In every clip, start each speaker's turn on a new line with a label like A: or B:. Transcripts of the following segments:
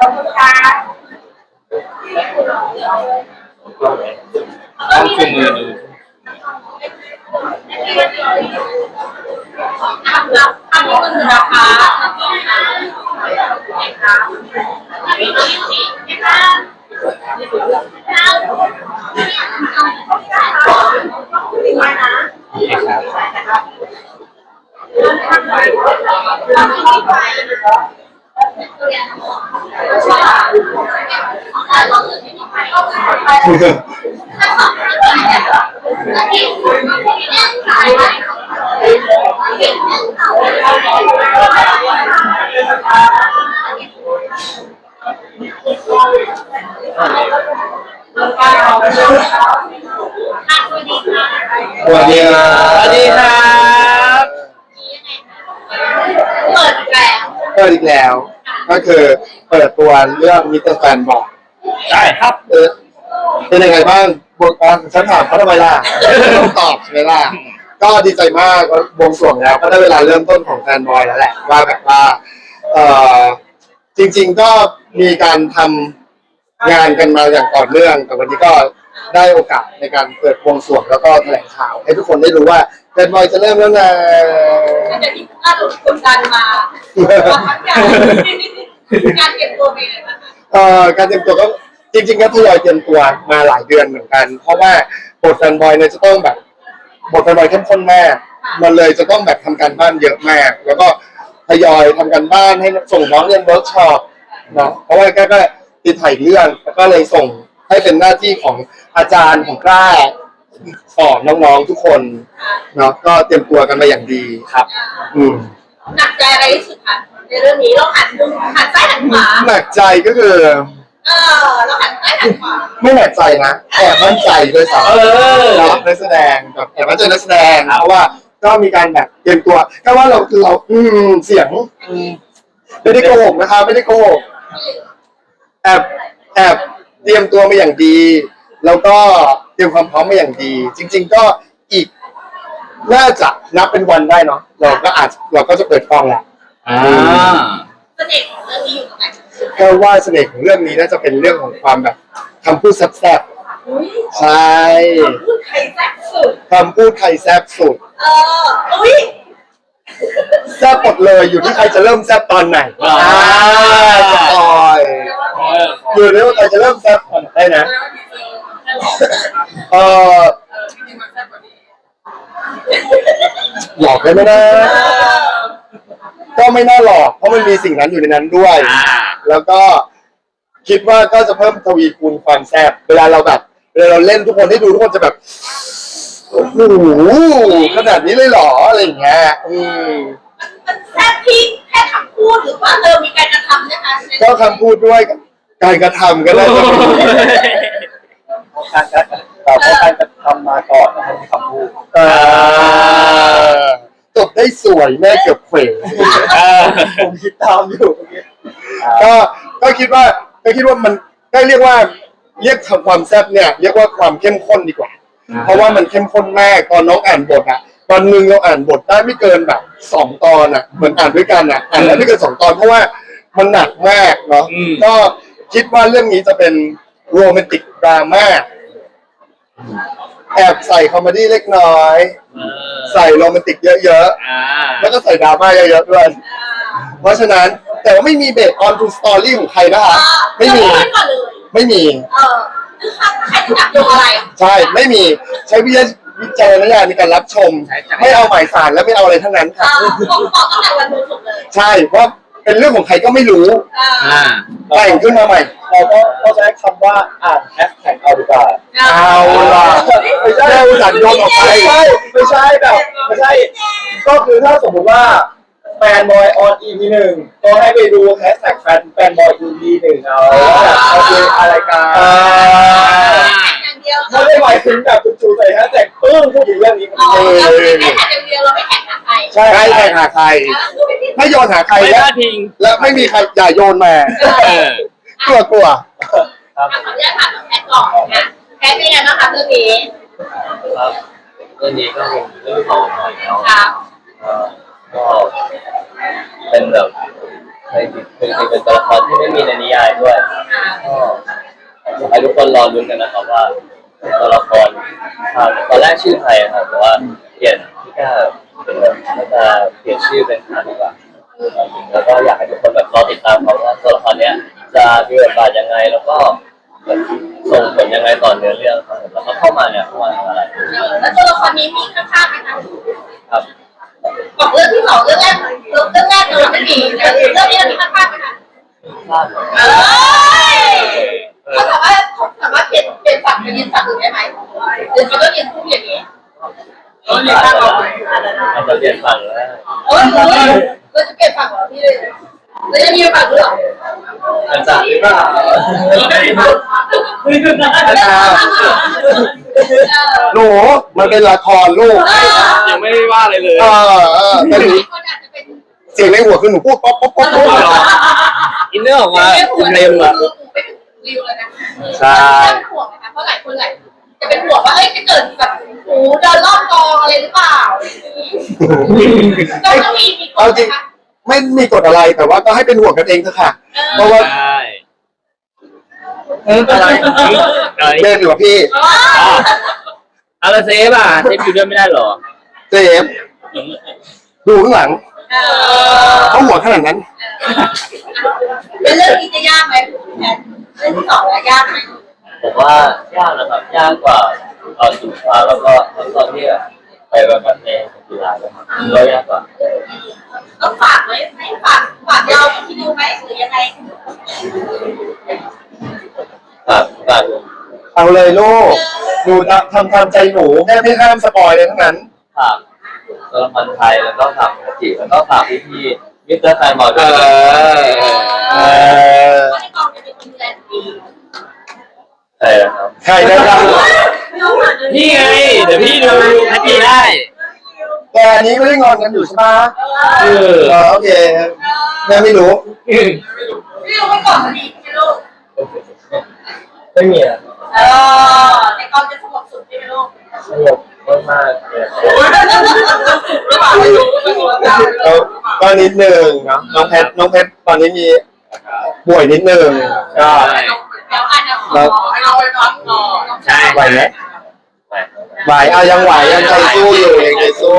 A: ขอบคุณค่ะ
B: ต้องชูมือดู
A: ทำนี้มันคือราคา
B: สวัสดีครับสวัสดีครับ
A: เปิดอีกแล้วก็คือเปิดตัวเรื่องมิสเตอร์แฟนบอก
B: ใช่ครับ
A: เป็นยังไงบ้างบทฉันถามเขาทำไมล่ะต้องตอบใช่ไหมล่ะก็ดีใจมากบวงสรวงแล้วก็ได้เวลาเริ่มต้นของแฟนบอยแล้วแหละว่าแบบว่าจริงๆก็มีการทำงานกันมาอย่างต่อเนื่องแต่วันนี้ก็ได้โอกาสในการเปิดบวงสรวงแล้วก็แถลงข่าวให้ทุกคนได้รู้ว่าแฟนบอยจะเริ่มแล้วนะ
C: จะที่ถ้าเรากดดันมาทั้งการเก็บตัวเป็นยังไงบ้าง
A: การเตรียมตัวก็จริงๆก็ทยอยเตรียมตัวมาหลายเดือนเหมือนกันเพราะว่าบทแฟนบอยเนี่ยจะต้องแบบบทแฟนบอยเข้มข้นมากมันเลยจะต้องแบบทำการบ้านเยอะมากแล้วก็ทยอยทำการบ้านให้ส่งน้องเรียนเวิร์กช็อปเนาะเพราะว่าก็ติดถ่ายเรื่องแล้วก็เลยส่งให้เป็นหน้าที่ของอาจารย์ของกล้าสอนน้องๆทุกคนเนาะก็เตรียมตัวกันมาอย่างดีครับ
C: หนักใจอะไรที่สุดคะในเรื่องนี้เราหันซ้ายหันขวา
A: หนักใจก็คือ
C: เราหันซ้ายหันขวา
A: ไม่หนักใจนะแอบมั่นใจด้วยซ้ำเรานักแสดงแบบแอบมั่นใจนักแสดงเพราะว่าก็มีการแบบเตรียมตัวก็ว่าเราเสียงไม่ได้โกหกนะคะไม่ได้โกหกแอบเตรียมตัวมาอย่างดีแล้วก็เตรียมความพร้อมมาอย่างดีจริงๆก็อีกน่าจะนับเป็นวันได้เนาะเราก็จะเปิดกล้องแหละ
C: เสน่ห์ของเรื่องนี้อยู่ตรงไหน
A: ก็ว่าเสน่ห์ของเรื่องนี้น่าจะเป็นเรื่องของความแบบคำพูดแซ่บๆใช่
C: คำพูดไทยแซ่บสุด
A: คำพูดไทยแซ่บสุดแซ่บหมดเลยอยู่ที่ใครจะเริ่มแซ่บตอนไหนจะปล่อยอยู่ที่ว่าใครจะเริ่มแซ่บตอนไหนนะหลอกได้ไหมนะก็ไม่น่าหลอกเพราะมันมีสิ่งนั้นอยู่ในนั้นด้วยแล้วก็คิดว่าก็จะเพิ่มทวีคูณความแซ่บเวลาเราเล่นทุกคนได้ดูทุกคนจะแบบโอ้โหขนาดนี้เลยเหรออะไรอย่างเงี้ย
C: มันแซ่บที่แค่คำพูดหรือว่ามีการกระทำนะคะ
A: ก็คำพูดด้วยการกระทำก็ได้
B: แต่พอการกระทำมาก่อนนะครับคำพูด
A: จบได้สวยแม่เกือบเขว
B: ผมคิดตามอยู่
A: ก็คิดว่ามันก็เรียกว่าเรียกความแซ่บเนี่ยเรียกว่าความเข้มข้นดีกว่าเพราะว่ามันเข้มข้นมากตอนน้องอ่านบทอะตอนนึงเราอ่านบทได้ไม่เกินแบบ2 ตอนอะเหมือนอ่านด้วยกันอะอ่านได้ไม่เกิน2 ตอนเพราะว่ามันหนักมากเนาะก็คิดว่าเรื่องนี้จะเป็นโรแมนติกดราม่าแอบใส่คอมเมดี้เล็กน้อยใส่โรแมนติกเยอะๆแล้วก็ใส่ดราม่าเยอะๆด้วยเพราะฉะนั้นแต่ว่าไม่มีเบสออนทูสตอรี่ของใครนะคะไม่มี
C: ใครจะจับโยงอะไร
A: ใช่ไม่มีใช้วิจารณญาณในการรับชมไม่เอาหมายสารและไม่เอาอะไรทั้งนั้นค่ะ
C: บอกตั้งแต่วันดูสุดเลย
A: ใช่ว่าเป็นเรื่องของใครก็ไม่รู้แต่งขึ้นมาใหม่
B: เราก็ใช้คำว่าอ่านแฮชแท็กเอาดีกว่า
A: เอาล่ะไม่ใช่อุตส่าห์โยนออกไป
B: ไม่ใช่แบบไม่ใช่ก็คือถ้าสมมติว่าแฟนบอยออน EP 1ก็ให้ไปดูแฮชแท็กแฟนบอย EP 1เอาคืออะไรกันไม่ได้หมายถึงแบบจูใส่แฮชแท็กปึ้งพูดถึงเรื่องนี้
C: แค่แท็กอย่างเดียวเราไม่แท็กหาใคร
A: ใช่แท็กหาใครไม่โยนหาใครและไม่มีใครอย่าโยนมากลัว
C: ขออนุญาตถามแพทก่อนนะแพทเป็นยังไงบ้างคะเรื่องนี้
B: ครับเรื่องนี้ก็เป็นเรื่องของก็เป็นแบบในคือ
D: ถึงเป็นตัวละครที่ไม่มีในนิยายด้วยก็อยากให้ทุกคนรอลุ้นกันนะครับว่าตัวละครตอนแรกชื่อไทยครับแต่ว่าเปลี่ยนพี่ก้าเป็นแบบน่าจะเปลี่ยนชื่อเป็นฮาดีกว่าแล้วก็อยากให้ทุกคนแบบรอติดตามเขาว่าตัวละครเนี้ยจะมีบทบาทยังไงแล้วก็ส่งผลยังไงต่อเนื้อเรื่องครับแล้วก็เข้ามาเนี่ยเข้ามาทำอะไร
C: แล้วตัวละครนี้มีข้างๆไหมคะ
D: ครับ
C: บอกเรื่องที่สองเรื่องแรกเลยไม่มีแต่เรื่องนี้เรามีข้างๆไหมคะ
D: พลาด
C: เอ้ยเขาสามารถเปลี่ยนฝั่งไปยืนฝั่งอื่นได้ไหมหรือเขาต้องยืนคู่อย่างนี้
D: อาจจะเปลี่ยนฝั่งแล้ว
C: เราจะเปลี่ยนฝั่งเหรอพี่เลยเราจะมีฝั่งด้วยเหรอ
D: อาจจะหรือเปล่า
A: หนูมันเป็นละครลูก
D: ยังไม่ได้ว่าอะไรเลย
A: แต่หนู
C: คนอาจจะเป็น
A: เสียงในหัวคือหนูพูดป๊อปป๊อปป๊อปป๊อป
D: อินเนอร์ออกมาเต็มอ่ะ
C: ไม่ถึงริวเลยนะ
D: ใช่
C: ห่วงนะคะเพราะหลายคนจะเป็นห่วงว่าจะเกิดแบบหูเดินรอบกองอะไรหรือเปล่าต้องมีกฎนะคะ
A: ไม่มีกฎอะไรแต่ว่าก็ให้เป็นห่วงกันเองเถอะค่ะ เพราะว่า
D: ใช่อะไร
A: เล่นอยู่กับพี่
D: อะไรเซฟอ่ะเซฟอยู่ด้วยไม่ได้หรอ
A: เจมส์ดูข้างหลังเขาหัวขนาดนั้น
C: เป็นเรื่องนี้จะยากไหมเรื่องที่สองยากไหม
D: ผมว่ายากนะครับยากกว่าตอนสุดท้ายแล้วก็ตอนที่ไปแบบในกีฬาเลยครับก็ยากกว่า
C: ต้องฝากไหมฝากเราที่ดูไหมหรือยังไง
D: ฝาก
A: เอาเลยลูกหนูทำตามใจหนูแม่ไม่ห้ามสปอยเลยทั้งนั้น
D: ฝากตัวละครไทยแล้วก็ฝากปกติแล้วก็ฝากพี่มิสเตอร์แฟนบอลด้วย
C: ว่าในกองจะเป็นคนดูแลดี
D: ใช่ครับ
A: ใครได้บ้าง
D: นี่ไงเดี๋ยวพี่ดูทันทีได้
A: แต่อันนี้ก็ได้งอนกันอยู่ใช่ไหมโอเคแม่ไม่รู้
C: พี่รู้ไว้ก่อนมันดีใช่ไหมลูก
D: ไม่มีอ่ะ
C: ในกองจะสงบสุดใช่ไหมลูก
D: สงบมากๆเลย
A: ก็นิดนึงเนาะน้องเพชรตอนนี้มีป่วยนิดนึงก็
C: เดี๋ยวอาจจะขอเอาไปพักก่อน
D: ใช่
A: ไหวไหมไหวยังไหวยังใจสู้อยู่ยังใจสู้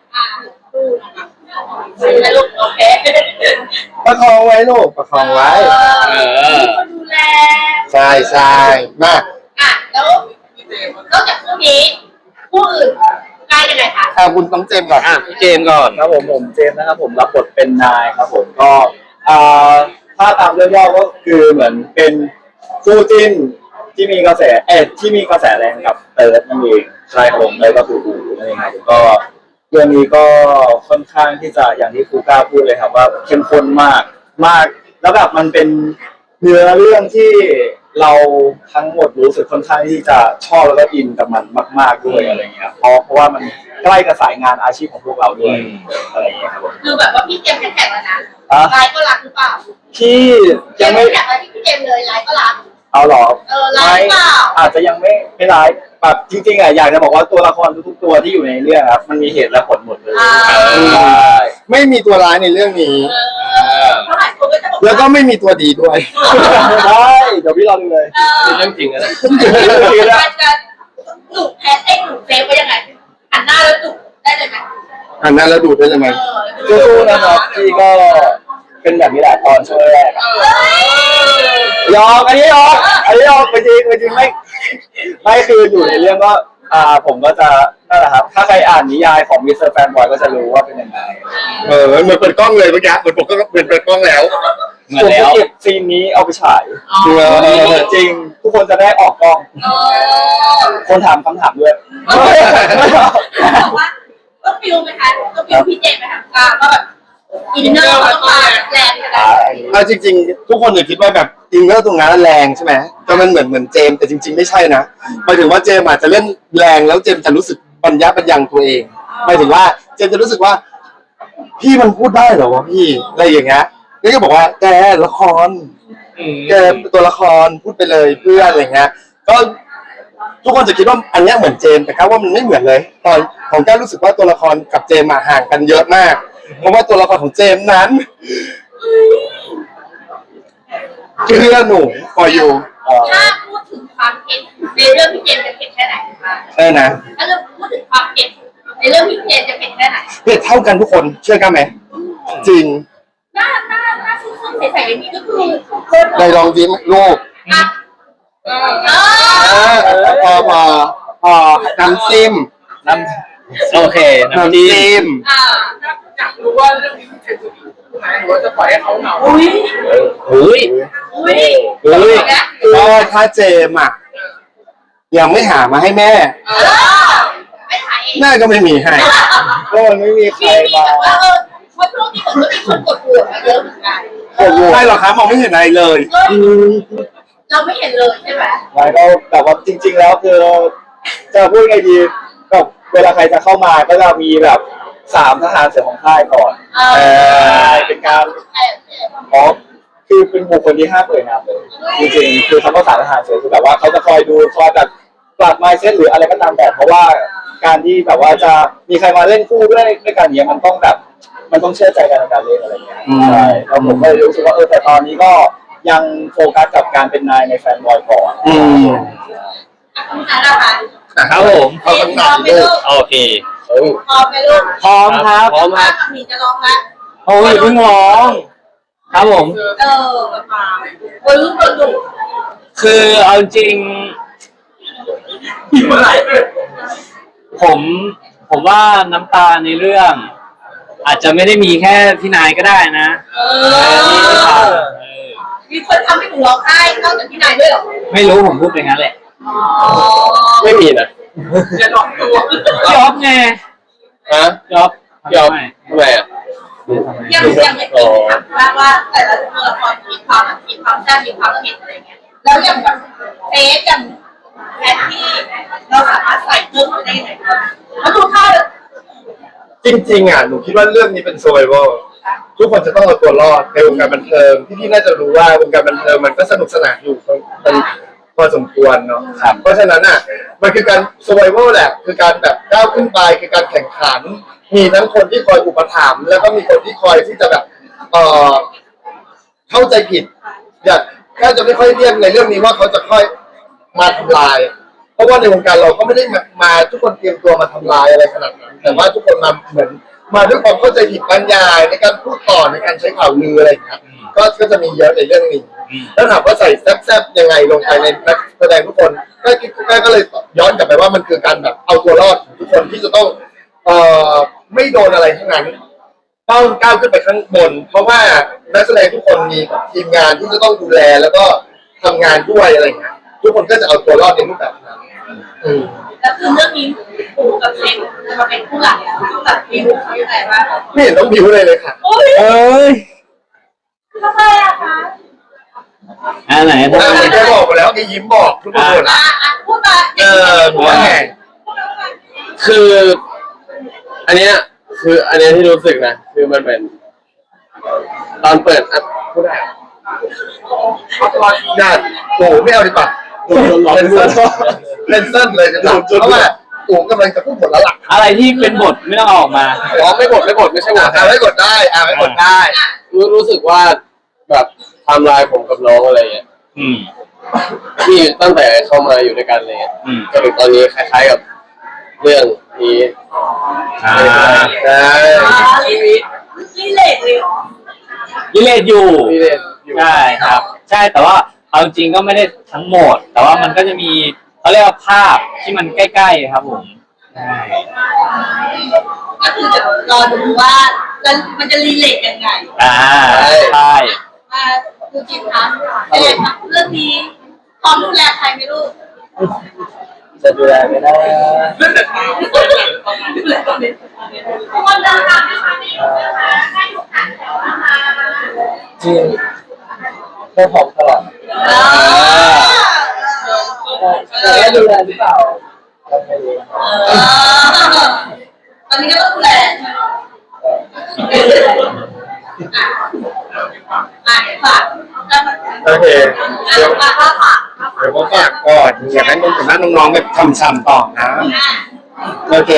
C: นะลูกโอเค
A: ประคองไว้ลูกประคองไว้
C: มีคนดูแล
A: ใช่มาก
C: แล้วนอกจากคู่นี้คู่อื่นใกล้ยังไงคะ
A: คุณต้องเจมส์ก่อน
D: พี่เจมส์ก่อน
B: ครับผมเจมส์นะครับผมรับบทเป็นนายครับผมก็ถ้าตามเรื่องย่อก็คือเหมือนเป็นคู่จิ้นที่มีกระแสแรงกับเติร์ดนั่นเองใช่ครับผมเลยก็คือนั่นเองครับก็เรื่องนี้ก็ค่อนข้างที่จะอย่างที่ครูก้าพูดเลยครับว่าเข้มข้นมากแล้วแบบมันเป็นเนื้อเรื่องที่เราทั้งหมดรู้สึกค่อนข้างที่จะชอบแล้วก็อินกับมันมากๆด้วยอะไรเงี้ยเพราะว่ามันใกล้กับสายงานอาชีพของพวกเราด้วยอะไรเงี้ยครับผม
C: คือแบบว่าพี่เจมส์แข็งแล้วนะไลน์ก็รักหรือเปล่า
B: ที่ยังไม่
C: แข็งแล้วที่พี่เจมส์เลยไลน์ก็รัก
B: เอาหรอ
C: ไลน์เปล่า
B: อาจจะยังไม่ร้ายแบบจริงๆอ่ะอยากจะบอกว่าตัวละครทุกๆตัวที่อยู่ในเรื่องครับมันมีเหตุและผลหมดเลยใช่
A: ไม่มีตัวร้ายในเรื่องนี้
C: เท่าไหร่คนก็จะบอก
A: แล้วก็ไม่มีตัวดีด้วย
B: ได้เดี๋ยวพี่รอดูเลย
D: เป็นเรื่องจริงนะ
C: การจะดุแพ้ดุเซฟไว้ยังไงหันหน้าแล้วดุได้เลยไหม
A: อันนั้นแล้วดูดได้เลยไหม
B: สู้ๆนะครับพี่ก็เป็นแบบนี้แหละตอนช่วงแรกอะยอมอันนี้ยอมจริงไม่คืออยู่ในเรื่องก็ผมก็จะนั่นแหละครับถ้าใครอ่านนิยายของมิสเตอร์แฟนบอยก็จะรู้ว่าเป็นยังไง
A: เหมือนเปิดกล้องเลยเมื่อกี้เหมือนผมก็เปิดกล้องแล้ว
B: ผมจะเก็บซีนนี้เอาไปฉายจริงทุกคนจะได้ออกกล้อง คนถามคำถามด้วย
C: บอกว่าต้องฟิลไหมคะต้องฟิลพี่เจมส์ไหมคะก็แบบอินเนอร์ต้องมาแรงขนาดนี้
A: เอาจริงๆทุกคนจะคิดว่าแบบอินเนอร์ตรงนั้นแรงใช่ไหมก็มันเหมือนเจมส์แต่จริงๆไม่ใช่นะหมายถึงว่าเจมส์อาจจะเล่นแรงแล้วเจมส์จะรู้สึกปัญญาปัญญังตัวเองหมายถึงว่าเจมส์จะรู้สึกว่าพี่มันพูดได้เหรอวะพี่อะไรอย่างเงี้ยนี่ก็บอกว่าแกละครแกตัวละครพูดไปเลยเพื่อนอะไรเงี้ยก็ทุกคนจะคิดว่าอันเนี้ยเหมือนเจมส์แต่ครับว่ามันไม่เหมือนเลยตอนของแกรู้สึกว่าตัวละครกับเจมส์ห่างกันเยอะมากเพราะว่าตัวละครของเจมส์นั้นเชื่อหนูปออยู่
C: ถ้าพูดถึงความเผ็ดในเรื่องพี่เจมส์จะเผ็ดแค่ไหนคะ
A: นะ
C: ถ้าเราพูดถึงความเผ็ดในเรื่องพี่เจมส์จะเผ็ดแค่ไหน
A: เผ็ดเท่ากันทุกคนเชื่อกันไหมจริง
C: หน้าซุ่มๆใสๆอย่างนี้ก็คือคน
A: ในลองยิ้มลูก
C: อ่ะ
A: พอน้ำจิ้ม
D: น้ำโอเคน้ำ
A: น้ำ
D: จิ้ม
A: จิ้ม
C: อยากรู้ว่าเรื่องนี้พี่เจมส์จะมีไหมหรือว่าจะปล่อยให้เขาเหงาอุ้ย
D: อุ้ย
C: อุ้ย
D: อุ้ย
A: ก็ถ้าเจมอ่ะยังไม่หามาให้แม่
C: ไม่ถ่ายเอง
A: แม่ก็ไม่มีให้
B: ก็มันไม่มีใคร
C: มี
B: มา
C: แบบว่าเพราะช่วงนี้เหมือนก็มีคนกดโหวตมาเยอะเหมือนกัน
A: ใช่หรอครับมองไม่เห็นอะไรเลย
C: เราไม่เห็นเลยใช่ไหม
B: ไม่ก็แต่ว่าจริง ๆ แล้วคือจะพูดไงดีแบบเวลาใครจะเข้ามาก็จะมีแบบ3 ทหารเสือของค่ายก่อนเป็นการคือเป็นบุคคลที่ห้ามเอ่ยนามเลยจริงๆคือคำว่า3 ทหารเสือคือแบบว่าเขาจะคอยดูคอยแบบปรับ mindset หรืออะไรก็ตามแต่เพราะว่าการที่แบบว่าจะมีใครมาเล่นคู่ด้วยกันเนี้ยมันต้องแบบมันต้องเชื่อใจกันในการเล่นอะไรเงี้ยใช่แล้วผมก็เลยรู้สึกว่าแต่ตอนนี้ก็ยังโฟกัสกับการเป็นนายในแฟนบอยก่อน
C: คุณอาละค่ะ
D: ครับผม
C: พร้อมไหมลูก
D: โอเค
C: พร้อมไหมลูก
D: พร้อมครับ
C: พร้อมครับมีจะร้องแล้ว
D: โอ้ยเพิ่งร้องครับผม
C: มาคนรู้คนดู
D: คือเอาจริงผมว่าน้ำตาในเรื่อง อาจจะไม่ได้มีแค่พี่นายก็ได้นะที่ทำ
C: มีคนทำให้หนูร้องไห้นอกจากพี่นายด้วยหรอ
D: ไม่รู้ผมพูดไปงั้นแหละ
A: ไม่มีนะ
C: จะร้องตัว
D: ยอบไง
A: ฮะ
D: ยอบ
A: ยอมทำไมอ่ะ
C: ยังไม่ติดค่ะว่าแต่ละตัวละครมีความแซ่บมีความเผ็ดอะไรเงี้ยแล้วอย่างแบบเฟสอย่างแพทที่เราสามารถใส่เพิ่มได้ไหมแล้วดูท่า
A: จริงๆอ่ะหนูคิดว่าเรื่องนี้เป็น survival ทุกคนจะต้องเอาตัวรอดในวงการบันเทิงพี่ๆน่าจะรู้ว่าวงการบันเทิงมันก็สนุกสนานอยู่พอสมควรเนาะเพราะฉะนั้นอ่ะมันคือการ survival แหละคือการแบบก้าวขึ้นไปคือการแข่งขันมีทั้งคนที่คอยอุปถัมภ์แล้วก็มีคนที่คอยที่จะแบบเข้าใจผิดแค่จะไม่ค่อยเรียกในเรื่องนี้ว่าเขาจะค่อยมาทำลาย เพราะว่าในวงการเราก็ไม่ได้มาทุกคนเตรียมตัวมาทำลายอะไรขนาดนั้นแต่ว่าทุกคนมาเหมือนมาด้วยความเข้าใจผิดบรรยายในการพูดต่อในการใช้ข่าวลืออะไรอย่างเงี้ยก็จะมีเยอะในเรื่องนี้แล้วถามว่าใส่แซ่บๆยังไงลงไปในนักแสดงทุกคนก็เลยย้อนกลับไปว่ามันคือการแบบเอาตัวรอดของทุกคนที่จะต้องไม่โดนอะไรทั้งนั้นต้องก้าวขึ้นไปข้างบน เพราะว่านักแสดงทุกคนมีทีมงานที่จะต้องดูแลแล้วก็ทำงานด้วยอะไรอย่างเงี้ยทุกคนก็จะเอาตัวรอดในรูปแบบนั้น
C: แล้วคือเรื่องนี้ปูกับเซ็กมาเป็นคู่หลักคู่หลักมีมุกเขาอย่างไรบ้าง
A: ไม่เห็นต้องบิวเลยค่ะ
C: โอ้ย
D: เอ้ย
C: ทำไมอะคะ
D: ไหนพูด
A: แกบอกมาแล้วแกยิ้มบอกทุกคนหมดละ
C: พูดมา
A: หัวแห่ง
E: คืออันเนี้ยที่รู้สึกนะคือมันเป็นตอนเปิดอ่ะพูดได้เหรอ
A: ญาติโอ้ไม่เอาดีกว่าเป็นเส้นเลยจะเพราะว่าโอ้กำลังจะพูดหมดแล้วล่ะ
D: อะไรที่เป็นบทไม่ต้องเอาออกมา
E: อ๋อไม่กดไม่ใช่หมด
A: ไม่กดได้ไม่กดได้
E: รู้สึกว่าแบบไทม์ไลน์ผมกับน้องอะไรเงี้ย
D: อืม
E: ที่ตั้งแต่เข้ามาอยู่ด้วยกันเลยจนถึงตอนนี้คล้ายๆกับเรื่องนี้
A: ได้
C: ชีวิตรีเลทเลยเหรอ
D: ยิเลตอยู่
E: ที่เล่นอยู่
D: ใช่ครับ ใช่แต่ว่าเอาจริงก็ไม่ได้ทั้งหมด แต่ว่ามันก็จะมีเขาเรียกว่าภาพที่มันใกล้ๆครับผมใช่
C: ก็คือจะรอดูว่ามันจะรีเลทยังไง
D: ใช่
C: มาดูจิตคะเป็นไงคะเรื่องนี้พร้อมดูแลใครไหมลูก
B: จะดูแลไม่ได้
C: ดูแลตอนนี้ทุกคนเดินทางนะคะไม่อยู่นะคะให้อยู่ห่างแถวนะคะ
B: จริงเพื่อผมตลอดแต่ดูแลหรือเปล่าไม่รู้
C: ตอนนี้ก็ต้องดูแลฝาก
A: โอเคเดี๋ยว
C: ฝาก
A: ผมฝากก่อนอยากให้น้องๆแบบทำซ้ำต่อนะโอเค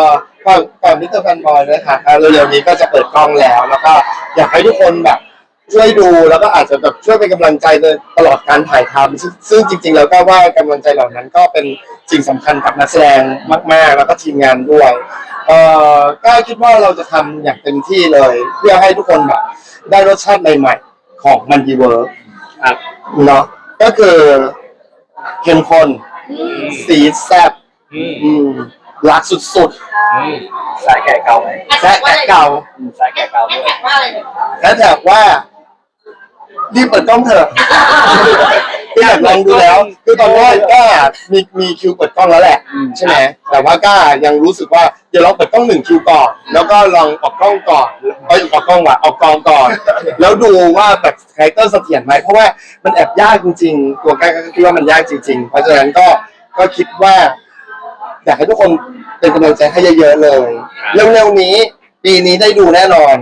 A: ฝากมิสเตอร์แฟนบอยด้วยค่ะเร็วๆนี้ก็จะเปิดกล้องแล้วก็อยากให้ทุกคนแบบช่วยดูแล้วก็อาจจะแบบช่วยเป็นกำลังใจในตลอดการถ่ายทำซึ่งจริงๆแล้วก็ว่ากำลังใจเหล่านั้นก็เป็นสิ่งสำคัญกับนักแสดงมากๆแล้วก็ทีมงานด้วยก็คิดว่าเราจะทำอย่างเต็มที่เลย เพื่อให้ทุกคนแบบได้รสชาติใหม่ๆของมันดีเวิร์ก
E: ครับ
A: เนาะก็คือเข้มข้นสีแซ่บรักสุด
B: สายแก่เก่าไหม
A: ๆและแอบเก่า
B: สายแก่เก่า
C: แฮ
B: ด้
C: ช
B: วย
C: แท็กว่าอะไรเนี่ย
A: และแถบว่ารีบเปิดกล้องเถอะคืออยากลองดูแล้ว คือตอนแรกก็มีคิวเปิดกล้องแล้วแหละใช่ไหมแต่ว่าก็ยังรู้สึกว่าเดี๋ยวเราเปิดกล้อง1 คิวก่อนแล้วก็ลองออกกล้องก่อนออกกล้องว่ะออกกองก่อน แล้วดูว่าแบบคาแรคเตอร์เสถียรไหมเพราะว่ามันแอบยากจริงๆตัวก้าก็คิดว่ามันยากจริงๆเพราะฉะนั้นก็คิดว่า อยากให้ทุกคนเป็นกำลังใจให้เยอะๆเลยเร็วๆนี้ปีนี้ได้ดูแน่นอน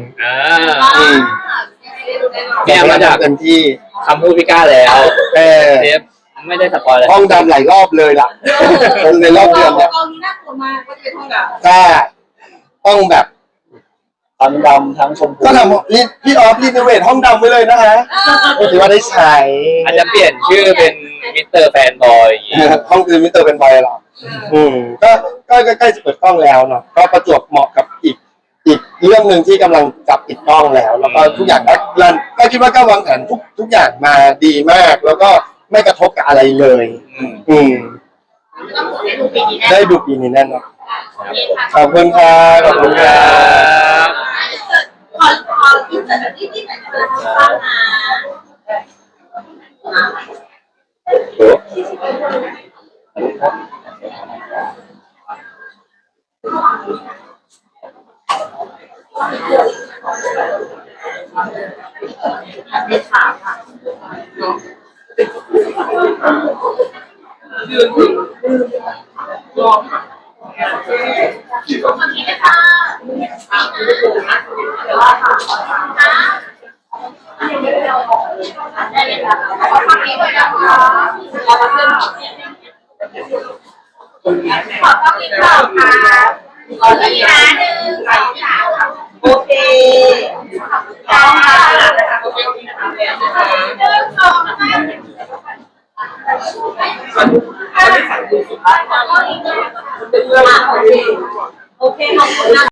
E: เนี่ยมาจาก
A: เต็มที่
E: คำพูดพี่ก้าแล้ว
A: เออ
E: เทปไม่ได้สปอยเลย
A: ห้องดำหลายรอบเลยล่ะในรอบเดือนเนี่ย
C: กองนี้น่ากลัวมากก็จะเป็นห้องแบบ
A: ถ้าต้องแบบ
B: ทั้งดำทั้งชมพู
A: ก็ทำนี่พี่ออฟรีโนเวทห้องดำไว้เลยนะฮะถือว่าได้ใช้
E: อาจจะเปลี่ยนชื่อเป็นมิสเตอร์แฟนบอยอย่างงี้
A: ห้องคือมิสเตอร์เป็นบอยเหรอก็ใกล้จะเปิดกล้องแล้วเนาะก็ประจวบเหมาะกับอีกเรื่องหนึ่งที่กำลังจับปิดกล้องแล้วก็ทุกอย่างก็คิดว่าก็วางแผนทุกอย่างมาดีมาก แล้วก็ไม่กระทบกับอะไรเลย
C: ต้องได้ดูปีนี้แน่
A: ได้ดูปีนี้แน่นอนขอบคุณครับขอบคุณครับ
C: ขอที่เสร็จที่ไหนจะเป็นบ้างนะไม่ถามค่ะยืนรอค่ะขอบคุณค่ะเดี๋ยวว่าค่ะได้เลยค่ะขอบคุณด้วยนะคะขอบคุณค่ะขอที่ร้าน1 2 3โอเคค่ะโอเคเดินสองค่ะ